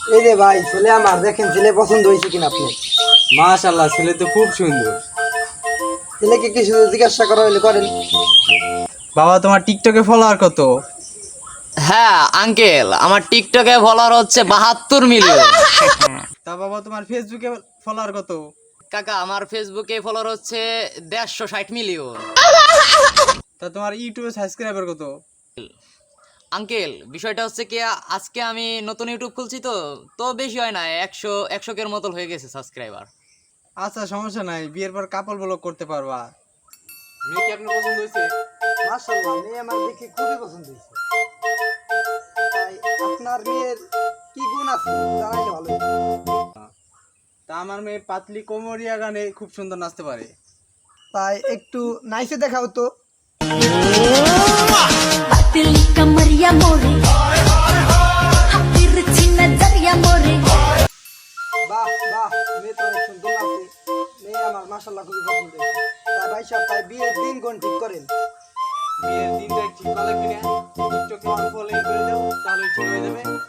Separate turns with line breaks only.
এই যে ভাই ছেলে আমার, দেখেন ছেলে পছন্দ হয়েছে কিনা আপনি?
মাশাআল্লাহ, ছেলে তো খুব সুন্দর।
ছেলেকে কিছু জিজ্ঞাসা করা হলে করেন।
বাবা, তোমার টিকটকে ফলোয়ার কত?
হ্যাঁ আঙ্কেল, আমার টিকটকে ফলোয়ার হচ্ছে 72 মিলিয়ন।
তা বাবা, তোমার ফেসবুকে ফলোয়ার কত?
কাকা, আমার ফেসবুকে ফলোয়ার হচ্ছে 160 মিলিয়ন।
তা তোমার ইউটিউবে সাবস্ক্রাইবার কত?
আঙ্কেল, বিষয়টা হচ্ছে কি, আজকে আমি নতুন ইউটিউব খুলছি তো তো বেশি হয় না, 100 মতো হয়ে গেছে সাবস্ক্রাইবার।
আচ্ছা, সমস্যা নাই, বিয়ের পর কাপল ব্লগ করতে পারবা। মেয়ে কি আপনার পছন্দ হয়েছে?
মাশাআল্লাহ, মেয়ে আমার দেখে খুবই পছন্দ হয়েছে। তাই আপনার মেয়ের কি গুণ আছে জানাইলে ভালো হতো।
তা আমার মেয়ে পাতলি কোমরিয়া গানে খুব সুন্দর নাচতে পারে।
তাই একটু নাইসে দেখাও তো।
पतली कमरिया मोरे तिरछी नजरिया मोरे
বাহ বাহ, মেয়ে তো অনেক সুন্দর আছে। মেয়ে আমার মাশাআল্লাহ খুবই পছন্দ হয়েছে। তাই ভাই সাহেব, তাই বিয়ের দিন কোন ঠিক করেন।
বিয়ের দিনটা ঠিক করা লাগবে না, টিকটকে অন ফলোইং করে দাও, তাহলে ঠিক হয়ে যাবে।